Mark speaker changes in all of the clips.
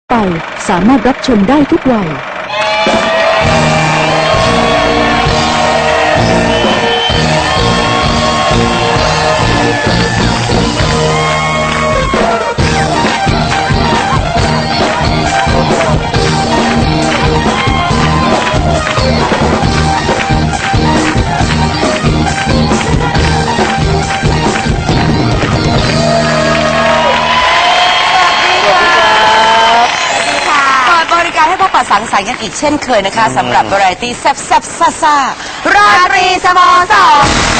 Speaker 1: ไปสามารถรับชมได้ทุกวัย
Speaker 2: สังสรรค์กันอีกเช่นเคยนะคะสำหรับวาไรตี้แซ่บแซ่บซ่าซ่าราตรีสโมสร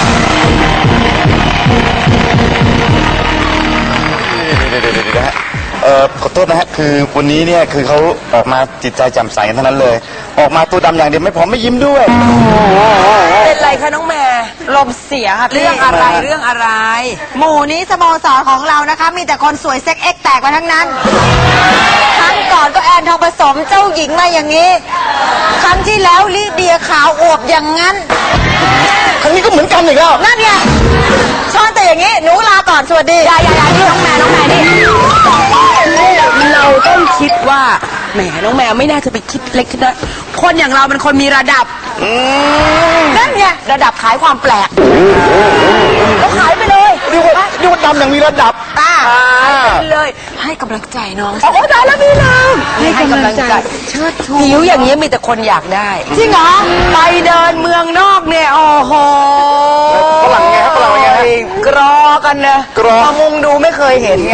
Speaker 3: ขอโทษนะฮะคือวันนี้เนี่ยคือเขาออกมาจิตใจแจ่มใสกันทั้งนั้นเลยออกมาตัวดำอย่างเดียวไม่พอไม่ยิ้มด้วย
Speaker 2: เป็นไรคะน้องแม่ลมเสียค่ะเรื่องอะไร
Speaker 4: หมู่นี้สโมสรของเรานะคะมีแต่คนสวยเซ็กเอ็กแตกมาทั้งนั้นครั้งก่อนก็แอนทองผสมเจ้าหญิงมาอย่างนี้ครั้งที่แล้วลิเดียขาวอวบอย่างนั้น
Speaker 3: ครั้งนี้ก็เหมือนกันอีกแล้ว
Speaker 4: นั่นไงชอนแต่อย่างนี้หนูลาก่อนสวัสดี
Speaker 2: อย่าที่น้องแม่นี่เราต้องคิดว่าแหมน้องแมวไม่น่าจะไปคิดเล็กคิดน้อยคนอย่างเราเป็นคนมีระดับนั่นไงระดับขายความแปลกก็ขายไปเลย
Speaker 3: ดูว่าดำอย่างมีระดับ
Speaker 2: ไปเลยให้กำลังใจน้อง
Speaker 4: โอ้ได้แล้วพี่น้อง
Speaker 2: ให้กำลังใจเชิดชูผิวอย่างนี้มีแต่คนอยากได้
Speaker 4: จริงเหรอ
Speaker 2: ไปเดินเมืองนอกเนี่ยโอ้โห
Speaker 3: ฝรั่งไงครับฝรั่งไง
Speaker 2: กรอกันนะมามุงดูไม่เคยเห็นไง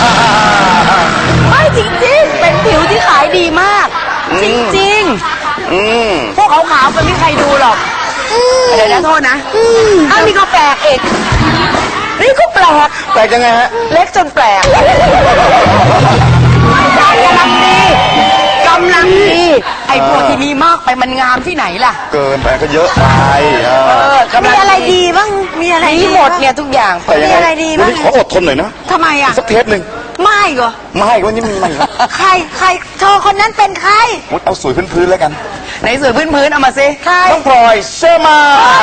Speaker 2: ไม่จริงๆเป็นผิวที่ขายดีมากจริงๆพวกขาวๆมันไม่มีใครดูหรอกเดี๋ยวนะโทษนะอ้าวนี่ก็แปลกเอกนี่ก็แปลก
Speaker 3: ยังไงฮะ
Speaker 2: เล็กจนแปลกกำลังดีไอ้พวกที่มีมากไปมันงามที่ไหนล่ะ
Speaker 3: เกินไปก็เยอะไป
Speaker 4: มีอะไรดีบ้างมีอะไรดี
Speaker 2: หมดเนี่ยทุกอย่าง
Speaker 4: มีอะไรดีบ้าง
Speaker 3: ขออดทนหน่อยนะ
Speaker 4: ทำไมอ่ะ
Speaker 3: สักเทปหนึ่ง
Speaker 4: ไม่เหรอ
Speaker 3: ไม่วันนี้มีไม่
Speaker 4: ใครเธอคนนั้นเป็นใคร
Speaker 3: เอาสวยพื้นๆแล้วกัน
Speaker 2: ไหนสวยพื้นเอามาสิ
Speaker 3: น้องพลอยเชื่อมา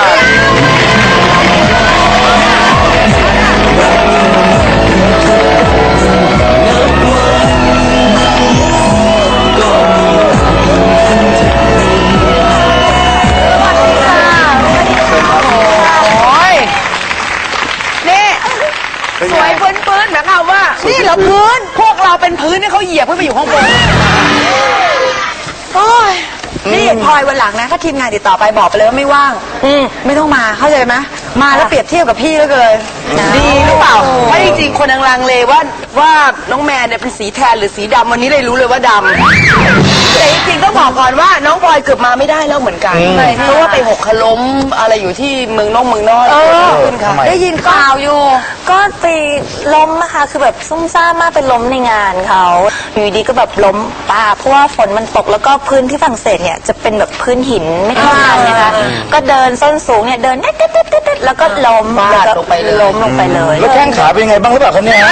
Speaker 2: สวยพื้นหมายความว่านี่เหรอพื้นพวกเราเป็นพื้นนี่เขาเหยียบขึ้นไปอยู่ข้างบน
Speaker 4: โอ้ยนี่พลอยวันหลังนะถ้าทีมงานติดต่อไปบอกไปเลยว่าไม่ว่างไม่ต้องมาเข้าใจไหมมาแล้วเปรียบเทียบกับพี่ก็เลย
Speaker 2: ดีหรือเปล่าเพราะจริงๆคนลังเลว่าน้องแมนเนี่ยเป็นสีแทนหรือสีดำวันนี้เลยรู้เลยว่าดำแต่จริงๆต้องบอกก่อนว่าน้องพลอยเกือบมาไม่ได้แล้วเหมือนกันเพราะว่าไปหกล้มอะไรอยู่ที่เมืองนอก
Speaker 4: ได้ยินข่าวอยู่
Speaker 5: ก็ไปล้มนะคะคือแบบซุ่มซ่ามากไปล้มในงานเขาอยู่ดีก็แบบล้มป่าเพราะว่าฝนมันตกแล้วก็พื้นที่ฝรั่งเศสเนี่ยจะเป็นแบบพื้นหินไม่เท่ากันนะคะก็เดินส้นสูงเนี่ยเดินแล้วก็ล้มแล้วก็ล้มลงไปเลย
Speaker 3: แล้วแข้งขาเป็นยังไงบ้างหรือเปล่าคะเนี่ย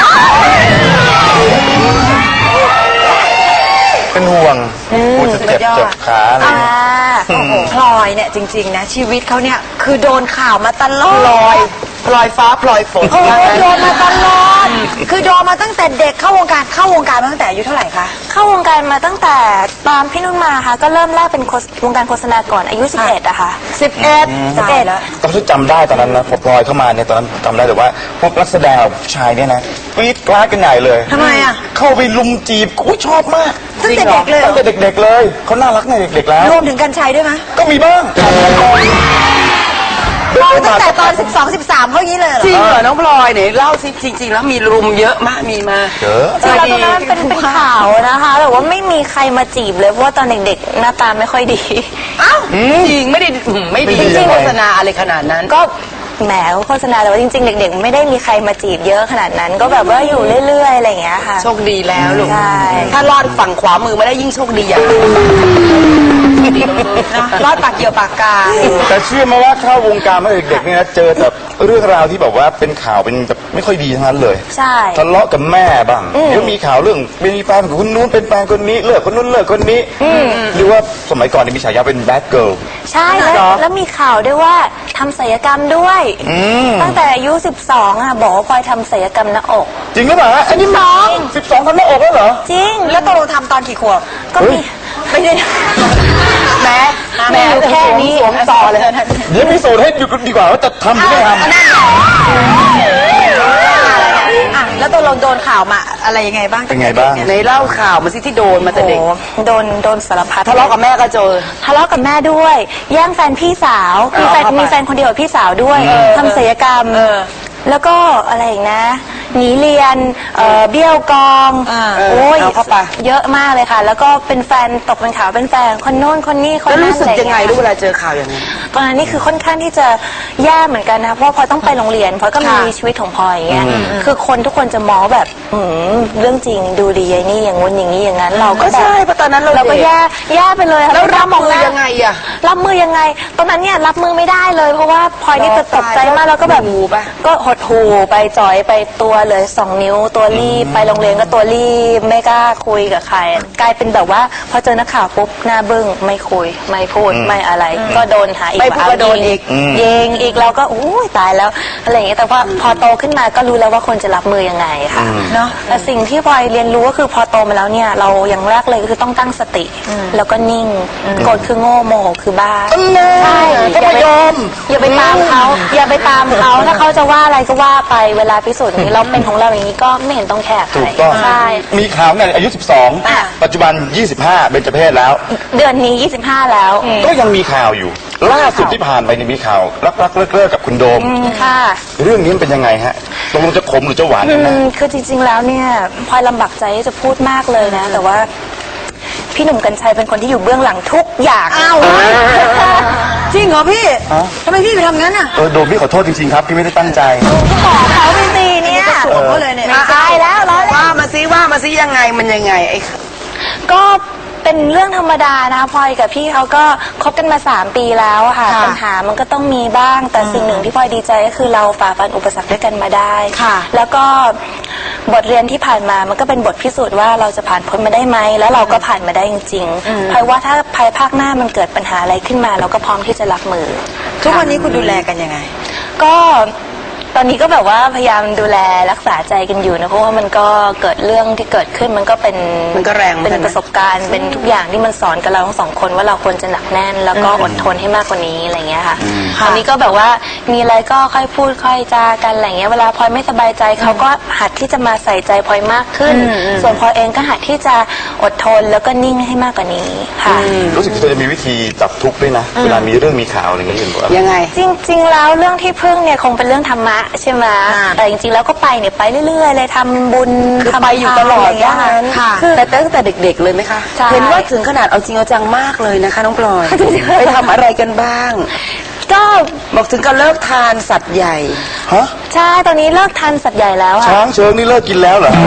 Speaker 3: เป็นห่วงจะเจ็บขาอะไร
Speaker 4: พลอยเนี่ยจริงๆนะชีวิตเขาเนี่ยคือโดนข่าวมาตลอด
Speaker 2: พลอยฟ้าพลอยฝน
Speaker 4: โดนมาตลอดคือโดนมาตั้งแต่เด็กเข้าวงการมาตั้งแต่อายุเท่าไหร่คะ
Speaker 5: เข้าวงการมาตั้งแต่ตอนพี่นุ่นมาค่ะก็เริ่มแรกเป็นวงการโฆษณาก่อนอายุ11อะค่ะ
Speaker 4: 11
Speaker 5: แล้ว
Speaker 3: ตอนที่จำได้ตอนนั้นนะพอพลอยเข้ามาเนี่ยตอนนั้นจำได้แต่ว่าพวกนักแสดงผู้ชายเนี่ยนะกรี๊ดกราดกันใหญ่เลย
Speaker 4: ทำไมอะ
Speaker 3: เข้าไปลุมจีบกูชอบมาก
Speaker 4: ตั้งแต่เด็กเลย
Speaker 3: ตั้งแต่เด็กๆเลยเขาน่ารักในเด็กๆแล้ว
Speaker 4: รวมถึงกัญชัยด้วยไหม
Speaker 3: ก็มีบ้าง
Speaker 4: ตั้งแต่ตอน12-13เขาอย่างนี้เลย
Speaker 2: จริงเหรอน้องพลอยเนี่ยเล่าสิจริงๆแล้วมีรุมเยอะมากมีมา
Speaker 3: เยอะ
Speaker 5: จริงแล้วตอนนั้นเป็นข่าวนะคะแต่ว่าไม่มีใครมาจีบเลยเพราะว่าตอนเด็กๆหน้าตาไม่ค่อยดี
Speaker 2: อ้าวจริงไม่ดีโฆษณาอะไรขนาดนั้น
Speaker 5: ก็แหมโฆษณาแต่ว่าจริงๆเด็กๆไม่ได้มีใครมาจีบเยอะขนาดนั้นก็แบบว่าอยู่เรื่อยๆอะไรอย่างเงี้ยค่ะ
Speaker 2: โชคดีแล้วลูก
Speaker 5: ใช่
Speaker 2: ถ้ารอดฝั่งขวามือมาได้ยิ่งโชคดีอย่างรอดปากเกี่ยวปากกา
Speaker 3: แต่เชื่อไหมว่าเข้าวงการมาเด็กๆเนี่ยนะเจอแบบเรื่องราวที่แบบว่าเป็นข่าวเป็นแบบไม่ค่อยดีทั้งนั้นเลย
Speaker 5: ใช่
Speaker 3: ทะเลาะกับแม่บ้างเดี๋ยวมีข่าวเรื่องมีแฟนกับคนนู้นเป็นแฟนคนนี้เลิกคนนู้นเลิกคนนี้หรือว่าสมัยก่อนมีฉายาเป็นแบดเกิร์ล
Speaker 5: ใช่แล้วมีข่าวด้วยว่าทำศัลยกรรมด้วยตั้งแต่อายุ 12อ่ะบอกว่าพลอยทำศัลยกรรมหน้าอก
Speaker 3: จริงหรือเปล่าฮะอันนี้น้อง12ทำหน้าอกแล้วเหรอ
Speaker 5: จริง
Speaker 4: แล้วตกลงทำตอนกี่ขวบ
Speaker 5: ก็มีไม่ได้
Speaker 2: แม่
Speaker 5: แม่แค่นี้
Speaker 2: สวมต่อเลย
Speaker 3: เดี๋ยวพิสูจน์ให้ดูดีกว่าว่าจะทำหรือไม่ทำ
Speaker 4: อ่ะแล้วตกลงโดนข่าวมาอะไรยังไงบ้าง
Speaker 3: เป็นไงบ้าง
Speaker 2: ในเล่าข่าวมาสิที่โดนมาแต่
Speaker 5: โอ้
Speaker 2: เด็ก
Speaker 5: โดนสารพัด
Speaker 2: ทะเลาะกับแม่ก็เจอ
Speaker 5: ทะเลาะกับแม่ด้วย แย่งแฟนพี่สาวมีแฟนคนเดียวกับพี่สาวด้วยทำศัลยกรรมแล้วก็อะไรอีกนะหนีเรียนเบี้ยวกองโอ้ย
Speaker 2: เอาเข้าไป
Speaker 5: เยอะมากเลยค่ะ แล้วก็เป็นแฟนตกเป็นข่าวเป็นแฟนคนโน้นคนนี้คน
Speaker 2: แล้ว
Speaker 5: นั้น
Speaker 2: รู้สึกยังไง
Speaker 5: อะร
Speaker 2: รู้เวลาเจอข่าวอย่างนี้น
Speaker 5: ตอนนั้นนี่คือค่อนข้างที่จะแย่เหมือนกันนะเพราะพลอยต้องไปโรงเรียนพลอยก็มีชีวิตของพลอยอย่างเงี้ยคือคนทุกคนจะมองแบบเรื่องจริงดูดีไอ้นี่อย่างงู้นอย่างนี้อย่างนั้นเราก็
Speaker 2: ก็ใช่เพราะตอนนั้นเรา
Speaker 5: ก็
Speaker 2: เด็ก
Speaker 5: แย่ไปเลยค่ะ
Speaker 2: แล้วรับ
Speaker 5: มอง
Speaker 2: มือ
Speaker 5: หน้า
Speaker 2: ยังไงอะ
Speaker 5: รับมือยังไง ตอนนั้นเนี่ยรับมือไม่ได้เลย เพราะว่าพลอยนี่จะตกใจมากแล้วก็แบบ
Speaker 2: หูปะ
Speaker 5: ก็หดหูไปจ่อยไปตัวเลย2 นิ้วตัวรีบไปโรงเรียนก็ตัวรีบไม่กล้าคุยกับใคร กลายเป็นแบบว่าพอเจอนักข่าวปุ๊บหน้าบึ้งไม่คุยไม่พูดไม่อะไร ก็โดนหาอีก
Speaker 2: ไม่พูดก็โดนอีก
Speaker 5: ยิงอีกเราก็อู้ยตายแล้วอะไรอย่างเงี้ยแต่ว่าพอโตขึ้นมาก็รู้แล้วว่าคนจะรับมือยังไงค่ะเนาะแต่สิ่งที่พลอยเรียนรู้ก็คือพอโตมาแล้วเนี่ยเราอย่างแรกเลยก็คือต้องตั้งสติ แล้วก็นิ่งโกรธคือโง่โมโหคือบ้าใช่
Speaker 3: ก็ไม่ยอม
Speaker 5: อย่าไปตามเขาอย่าไปตามเขาถ้าเขาจะว่าอะไรก็ว่าไปเวลาพิสูจน์อย่างนี้เราเป็นของเราอย่างนี้ก็ไม่เห็นต้องแคร์ใคร
Speaker 3: ถูกต้อง
Speaker 5: ใช่
Speaker 3: มีข่าวเนี่ยอายุ 12 ปัจจุบัน 25 เบญจเพศแล้ว
Speaker 5: เดือนนี้ 25 แล้ว
Speaker 3: ก็ยังมีข่าวอยู่ ล่าสุดที่ผ่านไปเนี่ยมีข่าวรักเลิกกับคุณโดม
Speaker 5: ค่ะ
Speaker 3: เรื่องนี้มันเป็นยังไงฮะตกลงจะขมหรือจะหวานกันแน่
Speaker 5: คือจริงๆแล้วเนี่ยพลอยลำบากใจที่จะพูดมากเลยนะ แต่ว่าพี่หนุ่มกัญชัยเป็นคนที่อยู่เบื้องหลังทุกอย่าง
Speaker 4: อ้าวจริงเหรอพี่ทำไมพี่ไปทำงั้นอ่ะ
Speaker 3: โดมพี่ขอโทษจริงๆครับพี่ไม่ได้ตั้งใจ
Speaker 5: ก็บอกเขาไปสิเนี่ย
Speaker 4: สวมเขาเลยเนี่ย
Speaker 5: ไม่ใช่แล้วร้อยแล้ว
Speaker 2: ว่ามาซิยังไงมันยังไงไอ้
Speaker 5: ก็เป็นเรื่องธรรมดานะพลอยกับพี่เขาก็คบกันมา3 ปีแล้วอะค่ะปัญหามันก็ต้องมีบ้าง แต่สิ่งหนึ่งที่พลอยดีใจก็คือเราฝ่าฟันอุปสรรคด้วยกันมาได้
Speaker 4: ค่ะ
Speaker 5: แล้วก็บทเรียนที่ผ่านมามันก็เป็นบทพิสูจน์ว่าเราจะผ่านพ้นมาได้ไหมแล้วเราก็ผ่านมาได้จริงๆพลอยว่าถ้าภายภาคหน้ามันเกิดปัญหาอะไรขึ้นมา เราก็พร้อมที่จะรับมือ
Speaker 4: ทุกวันนี้คุณดูแลกันยังไง
Speaker 5: ก็ตอนนี้ก็แบบว่าพยายามดูแลรักษาใจกันอยู่นะเพราะว่ามันก็เกิดเรื่องที่เกิดขึ้นมันก็เป็น
Speaker 2: มันก็แรงเหมือน
Speaker 5: เป็
Speaker 2: กัน
Speaker 5: น
Speaker 2: นะ
Speaker 5: ประสบการณ์เป็นทุกอย่างที่มันสอนกับเราทั้ง2 คนว่าเราควรจะหนักแน่น แล้วก็อดทนให้มากกว่านี้อะไรเงี้ยค่ะตอนนี้ก็แบบว่ามีอะไรก็ค่อยพูดค่อยจากันอะไรเงี้ยเวลาพลอยไม่สบายใจเขาก็หัดที่จะมาใส่ใจพลอยมากขึ้น ส่วนพลอยเองก็หัดที่จะอดทนแล้วก็นิ่งให้มากกว่านี้ค่ะ
Speaker 3: รู้สึกเธอจะมีวิธีจับทุกข์ด้วยนะ เวลามีเรื่องมีข่าวอะไรอย่างเงี้ยอยู่แบบ
Speaker 2: ยังไง
Speaker 5: จริงๆ แล้วเรื่องที่พึ่งเนี่ยคงเป็นเรื่องธรรมะใช่ไหมแต่จริงๆ แล้วก็ไปเนี่ยไปเรื่อยๆ เลยทำบุญ
Speaker 2: คือ
Speaker 5: ทำ
Speaker 2: ไปอยู่ตลอด
Speaker 5: ะไรย่างเงี้ย
Speaker 2: ว่างั้น
Speaker 5: ค่ะ
Speaker 2: แต่ตั้งแต่เด็กๆเลยไหมคะ
Speaker 5: ใช่
Speaker 2: เห็นว่าถึงขนาดเอาจริงเอาจังมากเลยนะคะน้องพลอย ไปทำอะไรกันบ้าง
Speaker 5: ก็
Speaker 2: บอกถึงกับเลิกทานสัตว์ใหญ่
Speaker 3: ฮะ
Speaker 5: ใช่ตอนนี้เลิกทานสัตว์ใหญ่แล้วอะ
Speaker 3: ช้างเชิงนี่เลิกกินแล้วเหรอ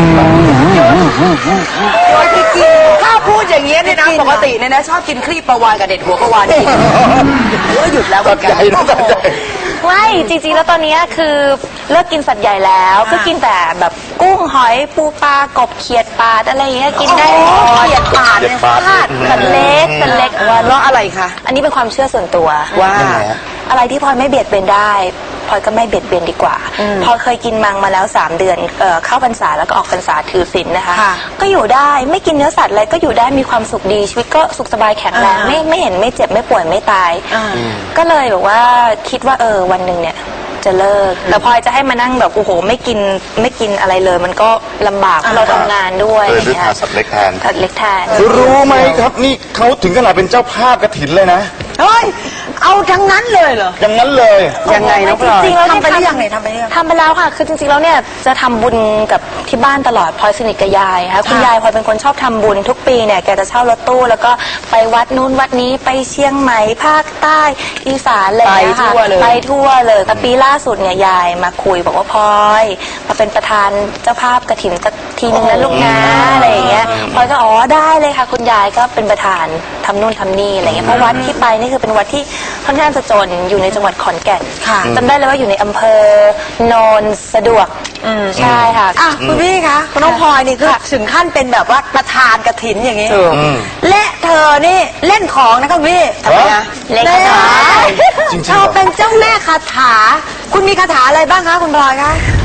Speaker 2: ถ้าพูดอย่างเงี้ยเนี่ยนะปกติเนี่ยนะชอบกินคลีปปลาวานกับเด็ดหัวปลาวานกินก็หยุดแล้วเหมือนกัน
Speaker 3: สัตว์ใหญ่นะสัตว์ใหญ่
Speaker 5: ไม่จริงๆ แล้วตอนนี้คือเลิกกินสัตว์ใหญ่แล้วก็กินแต่แบบกุ้งหอยปูปลากบเขียดปลาอะไรอย่างเงี้ยกินได้หมด
Speaker 2: เขียดปาด
Speaker 3: เขียดปาด
Speaker 5: สัตว์เล็กสัตว์เล็ก
Speaker 2: ว่าเพราะอะไรคะ
Speaker 5: อันนี้เป็นความเชื่อส่วนตัว
Speaker 2: ว่า
Speaker 3: ยังไงฮะ
Speaker 5: อะไรที่พลอยไม่เบียดเบียนได้พลอยก็ไม่เบียดเบียนดีกว่าพลอยเคยกินมังมาแล้ว3 เดือนเข้าพรรษาแล้วก็ออกพรรษาถือศีลนะคะ ก็อยู่ได้ไม่กินเนื้อสัตว์อะไรก็อยู่ได้มีความสุขดีชีวิตก็สุขสบายแข็งแรงไม่เห็นไม่เจ็บไม่ป่วยไม่ตาย ก็เลยแบบว่าคิดว่าวันหนึ่งเนี่ยจะเลิกแต่พลอยจะให้มานั่งแบบโอ้โหไม่กินอะไรเลย มันก็ลำบากเพราะเราทำงานด้วย
Speaker 3: เลยด้วยทานสัตว์เล็กแทน
Speaker 5: สัตว์เล็กแทน
Speaker 3: รู้ไหมครับนี่เขาถึงขนาดเป็นเจ้าภาพกฐินเลยนะ
Speaker 4: เฮ้ย เอาทั้งนั้นเลยเหรอ
Speaker 3: อย่างนั้นเลย
Speaker 2: ยังไงน้องพลอย
Speaker 5: จริงๆแล้ว
Speaker 4: ทำไปหรือยังเนี่ยทำไปหรือยัง
Speaker 5: ทำไปแล้วค่ะ คือจริงๆแล้วเนี่ยจะทำบุญกับที่บ้านตลอดพลอยสนิทกับยายค่ะคุณยายพลอยเป็นคนชอบทำบุญทุกปีเนี่ยแกจะเช่ารถตู้แล้วก็ไปวัดนู้นวัดนี้ไปเชียงใหม่ภาคใต้อีสานอะไรอย่างเงี้ยค่ะ
Speaker 2: ไปทั่วเลย
Speaker 5: แต่ปีล่าสุดเนี่ยยายมาคุยบอกว่าพลอยมาเป็นประธานเจ้าภาพกฐินสักทีนึงนะลูกนะอะไรอย่างเงี้ยพลอยก็ได้เลยค่ะคุณยายก็เป็นประธานทำนู่นทำนี่อะไรเงี้ยเพราะวัดที่ไปนี่คือเป็นวัดที่ค่อนข้างจะจนอยู่ในจังหวัดขอนแก่น
Speaker 4: ค่ะ
Speaker 5: จำได้เลยว่าอยู่ในอำเภอโนนสะดวกใช่ค่ะ
Speaker 4: อ่ะคุณพี่คะคุณน้องพลอยนี่คือถึงขั้นเป็นแบบว่าประธานกฐินอย่างนี้ และเธอนี่เล่นของนะคะคุณพี่
Speaker 3: ทำไมนะ
Speaker 5: เล่นคาถา
Speaker 3: จริงๆ
Speaker 4: เธอเป็นเจ้าแม่คาถา คุณมีคาถาอะไรบ้างคะคุณพลอยคะ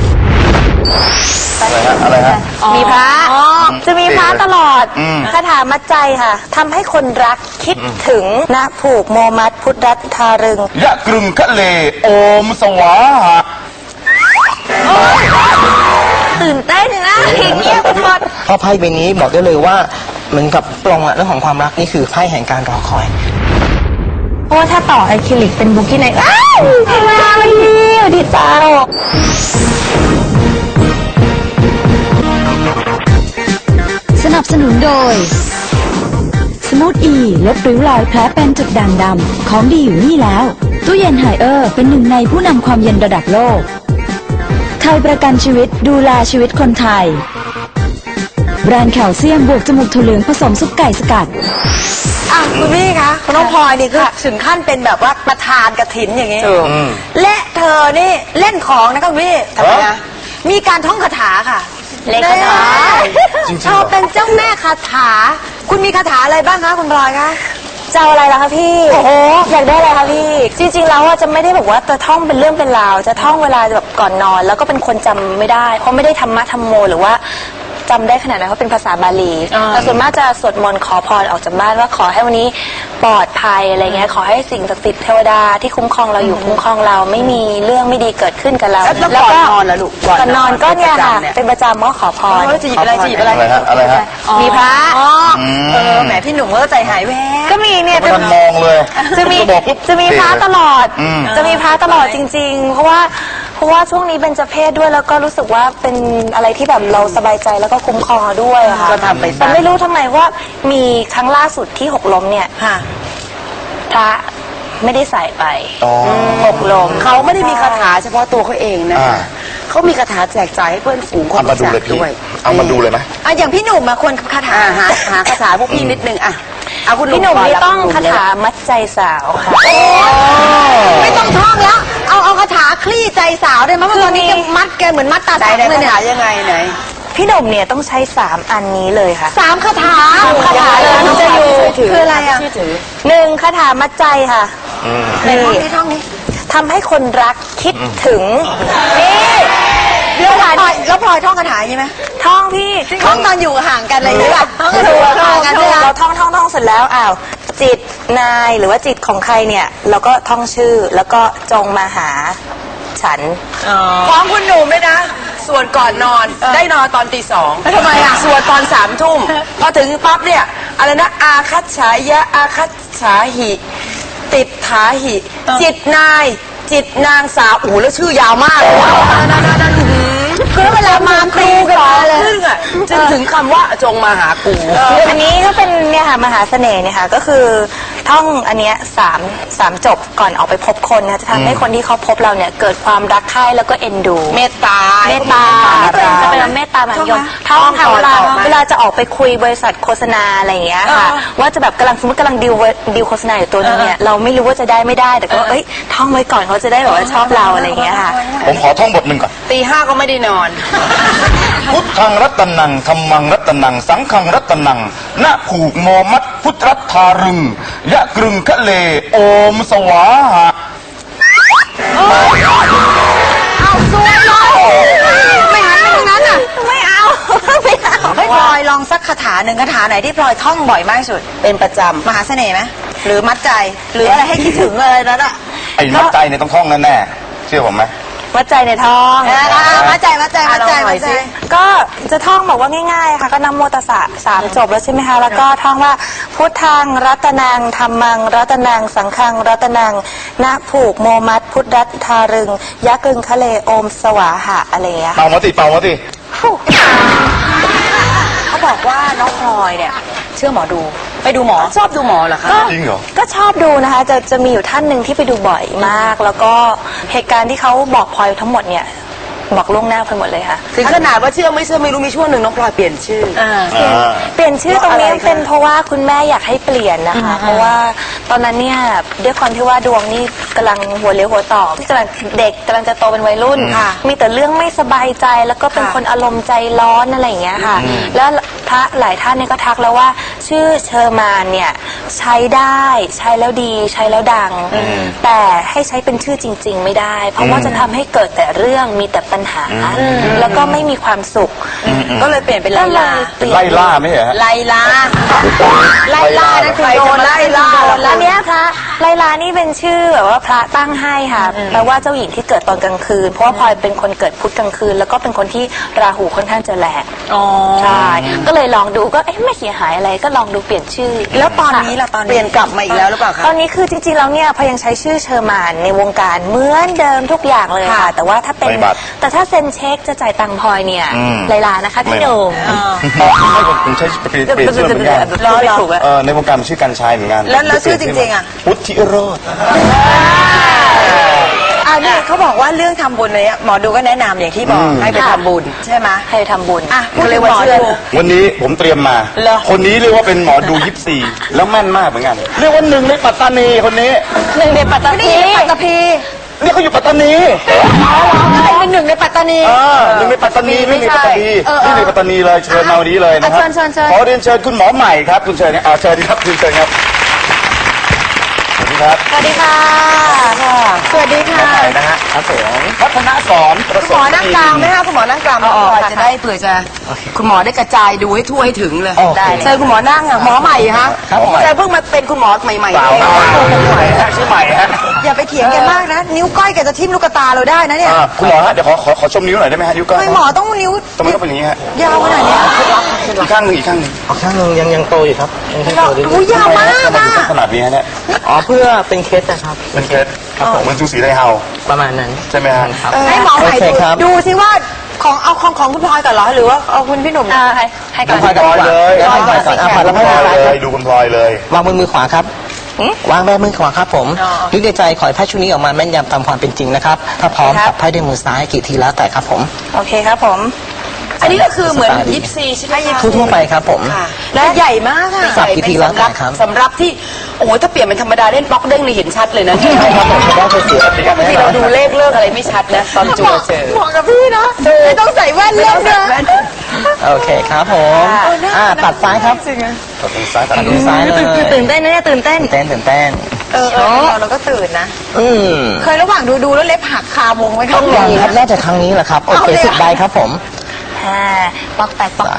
Speaker 3: อะไรฮะ
Speaker 5: มีพระจะมีพระตลอด
Speaker 3: อืม
Speaker 5: คาถามัดใจค่ะทำให้คนรักคิดถึงนะผูกโมมัดพุทธรัตทารึง
Speaker 3: ยะกรึงคะเลโอมสวาหะ
Speaker 5: ตื่นเต้นนะเงียบหมด
Speaker 6: เพราะไพ่ใบนี้บอกได้เลยว่าเหมือนกับปลงอะเรื่องของความรักนี่คือไพ่แห่งการรอคอย
Speaker 5: เพราะว่าถ้าต่ออะคริลิกเป็นบุกที่ไหนอ้าวมาเลยดีเจ้า
Speaker 1: สนับสนุนโดย สมูทอีลดริ้วรอยแผลเป็นจุดด่างดำของดีอยู่นี่แล้ว ตู้เย็นไฮเออร์เป็นหนึ่งในผู้นำความเย็นระดับโลก ไทยประกันชีวิตดูแลชีวิตคนไทย แบรนด์แคลเซียมบวกจมูกถั่วเหลืองผสมซุปไก่สกัด
Speaker 4: อ่ะคุณพี่คะคุณน้องพลอยนี่คือถึงขั้นเป็นแบบว่าประธานกฐินอย่างนี้ และเธอนี่เล่นของนะคะคุณพี่ทำไมนะมีการท่องคาถาค่ะ
Speaker 5: เล่นคาถา
Speaker 3: จริงๆ
Speaker 4: เธอเป็นเจ้าแม่คาถา คุณมีคาถาอะไรบ้างคะคุณพลอยคะ
Speaker 5: จะเอาอะไรล่ะคะพี่ โอ้โห อยากได้อะไรคะพี่ จริงๆแล้วอะจะไม่ได้แบบว่าจะท่องเป็นเรื่องเป็นราว จะท่องเวลาแบบก่อนนอน แล้วก็เป็นคนจำไม่ได้ เพราะไม่ได้ธรรมะธรรมโมหรือว่าจำได้ขนาดนั้นเพราะเป็นภาษาบาลี แต่ส่วนมากจะสวดมนต์ขอพรออกจากบ้านว่าขอให้วันนี้ปลอดภัยอะไรเงี้ย ขอให้สิ่งศักดิ์สิทธิ์เทวดาที่คุ้มครองเราอยู่คุ้มครองเราไม่มีเรื่องไม่ดีเกิดขึ้นกับเรา
Speaker 2: แล้วก่อนนอนล่ะลูก
Speaker 5: ก่อนนอนก็เนี่ยค่ะ
Speaker 2: เป็นประจำเนี่ย
Speaker 5: เป็นประจำก็ขอพร
Speaker 2: จะหยิบอะไรจะหยิบอะไร
Speaker 3: อะไรฮะอะไรฮะ
Speaker 5: มีพระ
Speaker 4: แหมพี่หนุ่มก็ใจหายแวบ
Speaker 5: ก็มีเนี่ย
Speaker 3: ไม่ทันมองเลย
Speaker 5: จะมี
Speaker 3: บอกปุ๊บ
Speaker 5: จะมีพระตลอด
Speaker 3: อืม
Speaker 5: จะมีพระตลอดจริง ๆ เพราะว่าช่วงนี้เป็นเจเพศด้วยแล้วก็รู้สึกว่าเป็นอะไรที่แบบเราสบายใจแล้วก็คุ้มครองเราด้วยอะค่ะ
Speaker 2: ก็ทำไปซะ
Speaker 5: แต่ไม่รู้ทำไมว่ามีครั้งล่าสุดที่หกล้มเนี่ย
Speaker 4: ค่ะ
Speaker 5: พระไม่ได้ใส่ไป
Speaker 3: อ๋อ
Speaker 5: หกล้ม
Speaker 2: เขาไม่ได้มีคาถาเฉพาะตัวเขาเองนะ
Speaker 3: อ่า
Speaker 2: เขามีคาถาแจกจ่ายให้เพื่อนฝูงคน
Speaker 3: เอามา
Speaker 2: รู้
Speaker 3: ดู
Speaker 2: จั
Speaker 3: เลย
Speaker 2: ก
Speaker 3: พี่
Speaker 2: ด้วย
Speaker 3: เอามาดูเลยไหม
Speaker 4: อ่ะอย่างพี่หนุ่มมาควรคาถา
Speaker 2: หาคาถาพวกพี่นิดนึงอ่ะเอาคุณ
Speaker 5: พี่หนุ่ม
Speaker 2: ก่
Speaker 5: นี่
Speaker 2: แล้ว
Speaker 5: ต้อง
Speaker 2: คุณ
Speaker 5: คา
Speaker 2: หนุ่ม
Speaker 5: ถามัดใจสาวค่ะ
Speaker 4: ไม่ต้องท่องแล้ว เอาคาถาคลี่ใจสาวได้ไหมเพราะตอนนี้แกมัดแกเหมือนมัดตา
Speaker 2: ไหน
Speaker 4: สัง
Speaker 2: ไหน
Speaker 4: เลย
Speaker 2: คา
Speaker 4: เนี่ย
Speaker 2: ถายังไงไหน
Speaker 5: พี่หนุ่มเนี่ยต้องใช้3อันนี้เลยค่ะ
Speaker 4: 3คาถา
Speaker 5: คาถาเลยมันจะอยู่
Speaker 4: คืออะไรอ่ะ
Speaker 5: 1คาถามัดใจค่ะ
Speaker 4: ไหนท่องนี้ท่องนี้
Speaker 5: ทำให้คนรักคิดถึงนี่
Speaker 4: แล้วพลอยท่องคาถาใช่ไหม
Speaker 5: ท่องพี่
Speaker 4: ท่องตอนอยู่ห่างกันอะไรอย่างเงี้ยท่องกันอยู่ห่างกันใช่ไหม
Speaker 5: เราท่องเสร็จแล้วอ้าวจิตนายหรือว่าจิตของใครเนี่ย เราก็ท่องชื่อแล้วก็จงมาหาฉัน
Speaker 2: ของคุณหนุ่มเลยนะ ส่วนก่อนนอนได้นอนตอนตี 2ทำไมอ่ะส่วนตอน3 ทุ่มพอถึงปั๊บเนี่ยอะไรนะอาคัตฉายะอาคัตฉาหิ ติดถาหิ จิตนาย จิตนางสาวโอ้โหแล้วชื่อยาวมากเลยนั่นคือเวลามาตีกันมาเลยครึ่งอ่ะจึงถึงคำว่าจงมาหากู
Speaker 5: อันนี้ก็เป็นเนี่ยค่ะมหาเสน่ห์เนี่ยค่ะก็คือท่องอันเนี้ยสามจบก่อนออกไปพบคนนะจะทำให้คนที่เขาพบเราเนี่ยเกิดความรักใคร่แล้วก็เอ็นดู
Speaker 2: เมตตา
Speaker 5: เมตตาจะเป็นเมตตามหานิยมท่องค่ะเวลาจะออกไปคุยบริษัทโฆษณาอะไรอย่างเงี้ยค่ะว่าจะแบบสมมติกำลังดิวโฆษณาอยู่ตัวนึงเนี่ยเราไม่รู้ว่าจะได้ไม่ได้แต่ก็เอ้ยท่องไว้ก่อนเขาจะได้แบบว่าชอบเราอะไรอย่างเงี้ยค่ะ
Speaker 3: ผมขอท่องบทหนึ่งก่อน
Speaker 2: ตี 5ก็ไม่ได้นอน
Speaker 3: พุทธังรัตนังธัมมังรัตนังสังฆังรัตนังณผูกโมมัดพุทธรัตทารึงยะกรึงคะเลโอมสวาหะ
Speaker 4: ไม่หันไปทางนั้นอ่ะไม่เอาให้พลอยลองสักคาถาหนึ่งคาถาไหนที่พลอยท่องบ่อยมากที่สุด
Speaker 2: เป็นประจำ
Speaker 4: มหาเสน่ห์ไหมหรือมัดใจหรืออะไรให้คิดถึงอะไรนั้นอ่ะ
Speaker 3: ไอ้มัดใจเนี่ยต้องท่องแน่ๆเชื่อผมไหม
Speaker 5: วัดใจในท้อง
Speaker 4: มัดใจมัดใจมัดใจมัดใจ
Speaker 5: ก็จะท่องแบบว่าง่ายๆค่ะก็นะโมตัสสะ3จบแล้วใช่ไหมคะแล้วก็ท่องว่าพุทธังรัตนังธัมมังรัตนังสังฆังรัตนังณผูกโมมัดพุทธรัตทารึงยะกึงคะเลโอมสวาหะอะไรอย่างเงี้ยค่ะ
Speaker 3: เป่ามาสิเป่ามาสิ
Speaker 4: เขาบอกว่าน้องพลอยเนี่ยเชื่อหมอดูไปดูหมอ
Speaker 2: ชอบดูหมอเหรอคะ
Speaker 3: จริงเหรอ
Speaker 5: ก็ชอบดูนะคะจะมีอยู่ท่านหนึ่งที่ไปดูบ่อยมาก แล้วก็เหตุการณ์ที่เขาบอกพลอยทั้งหมดเนี่ยบอกล่วงหน้าไปหมดเลยค่ะ
Speaker 2: ถึงขนาดว่าเชื่อไม่เชื่อไม่รู้มีช่วงหนึ่งน้องพลอยเปลี่ยนชื่อ
Speaker 5: เปลี่ยนชื่อตรงนี้
Speaker 2: เพราะอะไรคะ
Speaker 5: เป็นเพราะว่าคุณแม่อยากให้เปลี่ยนนะคะ เพราะว่าตอนนั้นเนี่ยด้วยความที่ว่าดวงนี่กำลังหัวเลี้ยวหัวต่อที่กำลังเด็กกำลังจะโตเป็นวัยรุ่นมีแต่เรื่องไม่สบายใจแล้วก็เป็นคนอารมณ์ใจร้อนอะไรอย่างเงี้ยค่ะ แล้วพระหลายท่านเนี่ยก็ทักแล้วว่าชื่อเชอร์มานเนี่ยใช้ได้ใช้แล้วดีใช้แล้วดัง แต่ให้ใช้เป็นชื่อจริง ๆ ไม่ได้ เพราะว่าจะทำให้เกิดแต่เรื่องมีแต่ปัญหา แล้วก็ไม่มีความสุข
Speaker 2: ก็เลยเปลี่ยนเป็นไลลา
Speaker 3: ไล่ล่าไม่ใช่เหรอฮะ
Speaker 2: ไลลาไลลานั่นคือโดนไล่ล่า
Speaker 5: แล้วเนี้ยพระไลลานี่เป็นชื่อแบบว่าพระตั้งให้ค่ะแปลว่าเจ้าหญิงที่เกิดตอนกลางคืน เพราะว่าพลอยเป็นคนเกิดพุธกลางคืน แล้วก็เป็นคนที่ราหูค่อนข้างจะแรงใช่ก็เลยลองดูก็เอ๊ะไม่เสียหายอะไรก็ลองดูเปลี่ยนชื่อ
Speaker 4: แล้วตอนนี้ล่ะตอน
Speaker 2: เปลี่ยนกลับมาอีกแล้วหรือเปล่าคะ
Speaker 5: ตอนนี้คือจริงๆแล้วเนี่ยพลอยยังใช้ชื่อเชอร์มานในวงการเหมือนเดิมทุกอย่างเลยค่ะ แต่ว่าถ้าเป็น
Speaker 3: ในบัตร
Speaker 5: แต่ถ้าเซ็นเช็คจะจ่ายตังค์พลอยเนี่ยไลลานะคะพี่หนุ่ม
Speaker 3: ไม่ผมใช้เปลี่ยนชื่อเหมือนกัน
Speaker 2: ล้อถูกอะ
Speaker 3: ในวงการมันชื่อกันชัยเหมือนกัน
Speaker 2: แล้วชื่อจริงๆอะ
Speaker 3: พุทธิโรจน์
Speaker 4: นี่เขาบอกว่าเรื่องทำบุญเนี่ยหมอดูก็แนะนำอย่างที่บอกให้ไปทำบุญใช่ไหม
Speaker 5: ให้ทำบุญ
Speaker 4: อ่ะพูด
Speaker 2: ก็เล
Speaker 4: ถึ
Speaker 2: ย
Speaker 4: ง
Speaker 2: ว่า
Speaker 4: หมอ
Speaker 2: เชื่อ
Speaker 4: ดู
Speaker 3: วันนี้ผมเตรียมมา
Speaker 2: เหรอ
Speaker 3: คนนี้เรียกว่าเป็นหมอดูยิปซีแล้วแม่นมากเหมือนกัน เรียกว่าหนึ่งในปัตตานีคนนี้
Speaker 5: หนึ่งในปัตตานี
Speaker 4: ปัตตภี
Speaker 3: นี่เขาอยู่ปัตตานี
Speaker 4: เป็นหนึ่งในปัตตานี
Speaker 3: หนึ่งในปัตตานีไม่มีปัตตานีนี่ในปัตตานีเลยเชิญมาวันนี้เลยนะครับ
Speaker 4: เชิญ
Speaker 3: ขอเรียนเชิญคุณหมอใหม่ครับคุณเชิญเชิญครับคุณเชิญครับสวัสดีครับ
Speaker 5: สวัสดีค่ะ
Speaker 4: สวัสดีค่ะ
Speaker 3: ใหม่นะฮะครับผมพัฒนาสอนประ
Speaker 4: คุณ
Speaker 3: ส
Speaker 4: หม
Speaker 3: บ
Speaker 4: อนั่งกลางไหมคะคุณหมอนั่งกลาง
Speaker 2: เอาออก
Speaker 4: ค่ะ
Speaker 2: จะได้เผื่อจะคุณหมอได้กระจายดูให้ทั่วให้ถึงเลย
Speaker 5: ได้เลย
Speaker 2: เชิญคุณหมอนั่งอ่ะหมอใหม่ฮะ
Speaker 3: ครับผม
Speaker 2: แต่เพิ่งมาเป็นคุณหมอใหม่ๆ
Speaker 3: สาว
Speaker 2: เอง
Speaker 3: ใหม่ฮะชื่อใหม่ฮะ
Speaker 4: อย่าไปเถียงกันมากนะ นิ้วก้อยแกจะทิ่มลูกตาเราได้นะเนี่ย
Speaker 3: คุณหมอฮะเดี๋ยวขอชมนิ้วหน่อยได้ไหมฮะนิ้วก้อย
Speaker 4: ทำไมหมอต้องนิ้ว
Speaker 3: ทำไมต้องเป็นอย่างนี้ฮะ
Speaker 4: ยาวขนาดเนี้ย
Speaker 3: อีกข้างหนึ่งอีกข้างหนึ่ง
Speaker 6: ข้างนึงยังโตอยู่ครับยังโตอยู่
Speaker 4: อุ้ยยาวมาก
Speaker 3: ทำไม
Speaker 4: อ่ะ
Speaker 3: ถึงขนาดนี้ฮะเนี่ย
Speaker 6: อ๋อเพื่อเป็นเคสนะครับ
Speaker 3: เป็นเคสครับผมมันจูสีไรเฮา
Speaker 6: ประมาณนั้น
Speaker 3: ใช่ไหมฮะ
Speaker 6: ครับ
Speaker 4: ให้หมอใหม่
Speaker 6: โอเคครับ
Speaker 4: ดูสิว่าของคุณพลอยก่อนเหรอหรือว่าเอาคุณพี่หนุ่ม
Speaker 5: ให้ก่อน
Speaker 3: คุณพลอยเลย
Speaker 6: พลอยก่อนก่อนอ่ะพลอยแล้ว
Speaker 3: พ
Speaker 6: พ
Speaker 3: ล
Speaker 6: ล
Speaker 3: อ
Speaker 6: อย ย
Speaker 3: เลยดูคุณพลอยเลย
Speaker 6: วางบนมือขวาครับวางแบบมือขวาครับผมนึกในใจขอให้ไพ่ชุดนี้ออกมาแม่นยำตามความเป็นจริงนะครับถ้าพร้อมจับไพ่ด้วยมือซ้ายกี่ทีแล้วแต่ครับผม
Speaker 5: โอเคครับผม
Speaker 2: อันนี้ก็คือเหมือนยิปซีใช่ไหม
Speaker 6: ทั่วๆไปครับผม
Speaker 4: และใหญ่มากอ่ะ
Speaker 6: สับกี่ทีแล้วแต่ครับ
Speaker 2: สำหรับที่โอ้โหถ้าเปลี่ยนเป็นธรรมดาเล่นบล็อกเด้งนี่เห็นชัดเลยนะ
Speaker 6: ใช่ครับผมจะได้เสีย
Speaker 2: บางทีเราดูเลขเลิกอะไรไม่ชัดนะตอนจูเจอ
Speaker 4: เหมาะกับพี่นะไม่ต้องใส่แว่นเล่นด้วย
Speaker 6: โอเคครับผมตัดซ้ายครับ
Speaker 3: ตัดตรงซ้ายตัด
Speaker 6: ตัด
Speaker 3: ตร
Speaker 6: มื
Speaker 3: ง
Speaker 6: อ
Speaker 3: ซ้า
Speaker 6: ซ้าย ยเลย
Speaker 5: ตื่นเต้นนะเนี่ยตื่นเต้น
Speaker 6: ตื่นเต้น
Speaker 4: เราก็ตื่นนะ
Speaker 6: อืม
Speaker 4: เคยระหว่างดูแล้วเล็บหักคาวงไหมคะ
Speaker 6: ยังครับน่าจะครั้งนี้แหละครับโอเค10 ใบครับผม
Speaker 5: บล็อก8บล็อก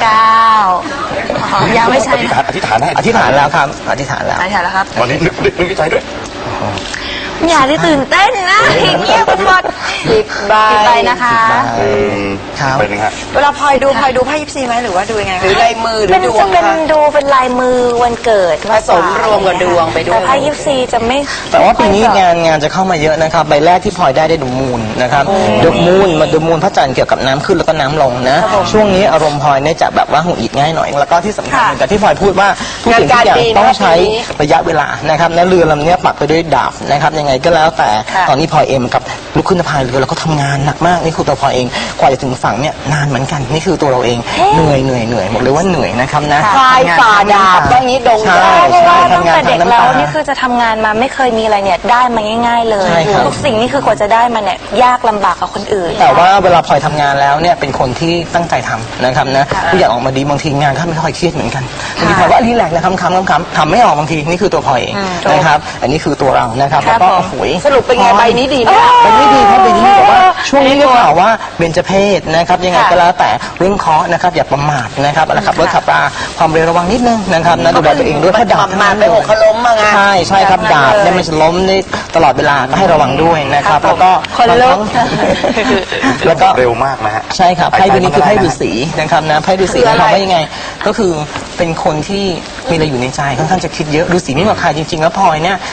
Speaker 5: 9ยังไม่ใช่
Speaker 3: อธิษฐานให้
Speaker 6: อธิษฐานแล้วครับอธิษฐานแล้ว
Speaker 5: ใช่แล้วครับ
Speaker 3: วันนี้นึกใจด้วย
Speaker 5: อย่าได้ตื่นเต้นนะเงียบกันหมด10 ใบนะคะ
Speaker 6: ครับ
Speaker 3: เป็นยังไง
Speaker 4: เวลาพลอยดูไพ่ยิปซีไหมหรือว่าดูยังไง
Speaker 2: หรือลายมือหรื
Speaker 5: เป็
Speaker 2: อน ดว
Speaker 5: จะ
Speaker 2: ง
Speaker 5: เป็น
Speaker 2: คะ
Speaker 5: ดูเป็นลายมือวันเกิด
Speaker 2: ผสมรวมกับดวงไปด้วย
Speaker 5: แต่ไพ่ยิปซีจะไม่
Speaker 6: แต่ว่าปีนี้งานจะเข้ามาเยอะนะครับใบแรกที่พลอยได้ดูมูลนะครับดูมูลมาดูมูลพระจันทร์เกี่ยวกับน้ำขึ้นแล้วก็น้ำลงนะช่วงนี้อารมณ์พลอยเนี่ยจะแบบว่าหงุดหงิดง่ายหน่อยแล้วก็ที่สำคัญแต่ที่พลอยพูดว่าทุกสิ่งทุกอย่างต้องใช้ระยะเวลานะครับและเรือลำนี้ปักไปด้วยดาบนะครับยังไงก็แล้วแต่ตอนนี้พลอยเองกับลุกขึ้นพายเรือแล้วก็ทำงานหนักมากนี่คือตัวพลอยเองกว่าจะถึงฝั่งเนี่ยนานเหมือนกันนี่คือตัวเราเองเหนื่อยหมดเลยว่าเหนื่อยนะครับนะ
Speaker 2: พลายฝ่าดาบบ้างนี้ดง
Speaker 6: ใช่
Speaker 2: ดาบ
Speaker 5: เพราะว่าตั้ง
Speaker 6: ทำงาน
Speaker 5: แต่เด็ก
Speaker 6: ทางน้ำ
Speaker 5: แล้
Speaker 6: ตา
Speaker 5: วนี่คือจะทำงานมาไม่เคยมีอะไรเนี่ยได้มาง่าย ๆ เลย
Speaker 6: ใช่ครับ
Speaker 5: ทุกสิ่งนี่คือกว่าจะได้มาเนี่ยยากลำบากกับคนอื่น
Speaker 6: แต่ว่าเวลาพลอยทำงานแล้วเนี่ยเป็นคนที่ตั้งใจทำนะครับนะทุกอย่างออกมาดีบางทีงานก็ไม่ค่อยเครียดเหมือนกันบางทีพลอยว่ารีแลกซ์นะคำทำไม่ออกบางทีนี่คือตัวพลอยเองนะครับอันนี้คือตัวเรานะครับแล้วก็โอ้ย
Speaker 2: สรุปเป็นไงใบนี้ดีไหม
Speaker 6: เป็นไม่ดีครับเป็นไม่ดีแต่ว่าช่วงนี้ก็ข่าวว่าเบญจเพศนะครับยังไงก็แล้วแต่เรื่องเคราะห์นะครับอย่าประมาทนะครับอะไรขับรถขับราความเร็วระวังนิดนึงนะครับนะดูแลตัวเองด้วยถ้าดาบ
Speaker 2: มาไปหกเขาล้มมาไง
Speaker 6: ใช่ครับดาบเนี่ยมันจะล้มได้ตลอดเวลาก็ให้ระวังด้วยนะครับแล้วก็
Speaker 5: คนลุก
Speaker 6: แล้วก็
Speaker 3: เร็วมากนะฮะ
Speaker 6: ใช่ครับไพ่ใบนี้คือไพ่ฤาษีนะครับนะไพ่ฤาษีหมายความว่ายังไง ก็คือเป็นคนที่มีอะไรอยู่ในใจค่อนข้างจะคิดเยอะฤาษีไม่เหมือนใครจริงๆแล้วพลอยเนี่ย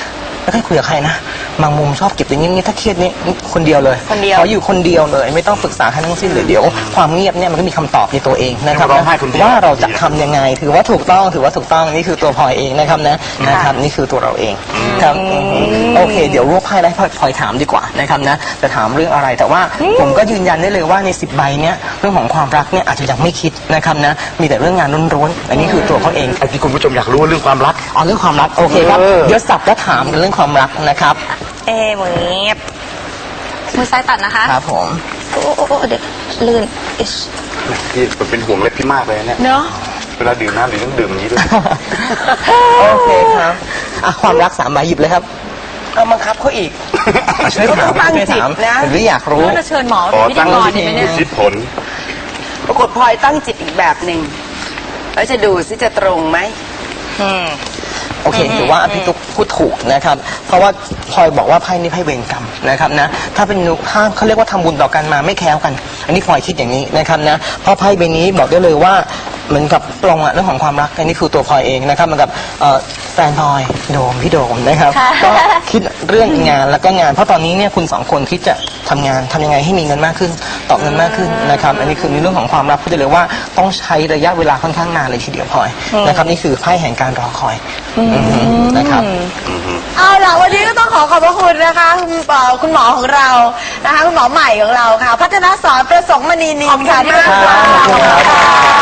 Speaker 6: ไม่ค่อยคุยกับใครนะบางมุมชอบเก็บอย่างนี้ถ้าเครียดนี่คนเดียวเลย
Speaker 2: คนเดียว
Speaker 6: ขออยู่คนเดียวเลยไม่ต้องปรึกษาใครทั้งสิ้นเลยเดี๋ยวความเงียบเนี่ยมันก็มีคำตอบในตัวเองนะครับ
Speaker 3: ร้องไห้คนเดียว
Speaker 6: ว่าเราจะทำยังไงถือว่าถูกต้องนี่คือตัวพลอยเองนะครับนะครับนี่คือตัวเราเองครับโอเค เดี๋ยวรวบไพ่ได้พลอยถามดีกว่านะครับนะจะถามเรื่องอะไรแต่ว่าผมก็ยืนยันได้เลยว่าใน10 ใบเนี้ยเรื่องของความรักเนี่ยอาจจะยังไม่คิดนะครับนะมีแต่เรื่องงานร้อนๆอันนี้คือตัวเขาเอง
Speaker 3: ไอ้ที่คุณผู้ชมอยากรู้เรื่องความรัก
Speaker 6: เรื่องความรักโอเคครับเดี๋ยวสับและถามกันเรื่องความรักนะครับ
Speaker 5: เหมือนมือซ้ายตัดนะคะ
Speaker 6: ครับผม
Speaker 5: โอ้เด็กลื่นอิช
Speaker 3: พี่เป็นห่วงเล็บพี่มากเลยเนี่ย
Speaker 2: เนาะ
Speaker 3: เวลาดื่มน้ำหรือต้องดื่มอย่างนี้ด้วย
Speaker 6: โอเคครับความรัก3 ใบหยิบเลยครับ
Speaker 2: เอาบังคับเขาอีก
Speaker 6: ช่วยถาม
Speaker 2: ตั้ง
Speaker 6: ช่วย
Speaker 2: จิต
Speaker 6: ถาม
Speaker 2: นะ
Speaker 6: หรืออยากรู้
Speaker 4: ก็จะเชิญหมอ
Speaker 3: อ๋อ
Speaker 4: เป็นพิธีกรเนี่ยไหมเนี่ย
Speaker 3: คิดผล
Speaker 2: ปรากฏพลอยตั้งจิตอีกแบบหนึ่งแล้วจะดูซิจะตรงไหม
Speaker 6: โอเคถือว่าพี่ตุ๊กพูดถูกนะครับ เพราะว่าพลอยบอกว่าไพ่นี้ไพ่เวรกรรมนะครับนะถ้าเป็นถ้าเขาเรียกว่าทำบุญต่อกันมาไม่แคล้วกัน อันนี้พลอยคิดอย่างนี้นะครับนะเพราะไพ่ใบนี้บอกได้เลยว่าเหมือนกับตรงอะเรื่องของความรักอันนี้คือตัวพลอยเองนะครับเหมือนกับแฟนพลอยพี่โดมนะครับก็คิดเรื่องงานแล้วก็งานเพราะตอนนี้เนี่ยคุณ2 คนคิดจะทำงานทำยังไงให้มีเงินมากขึ้นตอบเงินมากขึ้นนะครับอันนี้คือในเรื่องของความรักพูดได้เลยว่าต้องใช้ระยะเวลาค่อนข้างนานเลยทีเดียวพลอยนะครับนี่คือไพ่แห่งการรอคอยนะครับ
Speaker 4: เอาล่ะวันนี้ก็ต้องขอบพระคุณนะคะคุณหมอของเรานะคะคุณหมอใหม่ของเราค่ะ พัฒนาสอนประสงค์มณีนินค่ะที่มา
Speaker 6: ขอบคุณครับ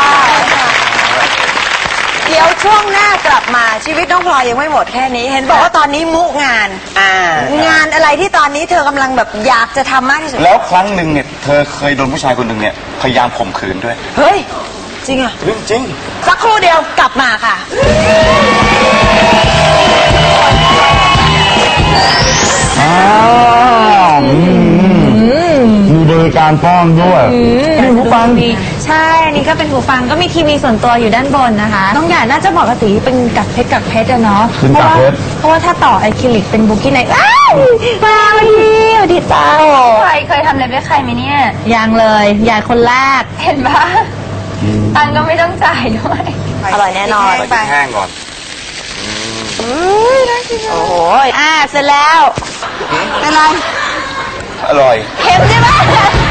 Speaker 4: เดี๋ยวช่วงหน้ากลับมาชีวิตน้องพลอยยังไม่หมดแค่นี้ เห็นบอกว่าตอนนี้มุงาน งานอะไรที่ตอนนี้เธอกำลังแบบอยากจะทำมากที่สุด
Speaker 3: แล้วครั้งหนึ่งเนี่ยเธอเคยโดนผู้ชายคนหนึ่งเนี่ยพยายามข่มขืนด้วย
Speaker 4: เฮ้ย จริงอะ
Speaker 3: เรื่องจริง
Speaker 4: สักครู่เดียวกลับมาค่ะ
Speaker 3: มีบริการป้อนด้วยนี่ผู้ฟัง
Speaker 7: ใช่ อันนี้ก็เป็นหูฟังก็มีทีวีส่วนตัวอยู่ด้านบนนะคะ น้องหยาดน่าจะเหมาะกับสีเป็นกักเพชรอะเนาะ
Speaker 3: เป็นกักเพชร
Speaker 7: เพราะว่าถ้าต่ออะคริลิกเป็นบุกี้ไนอ้าวมาดีตาใครเคยทำเล็บให้ใครไหมเนี่ย ยังเลยหยาดคนแรก เห็นปะตังก็ไม่ต้องจ่ายด้วย
Speaker 5: อร่อยแน่นอน
Speaker 3: ไปแห้งก่อน
Speaker 5: โอ้โหเสร็จแล้ว
Speaker 4: เป็นไร
Speaker 3: อร่อย
Speaker 5: เค็มใช่ไหม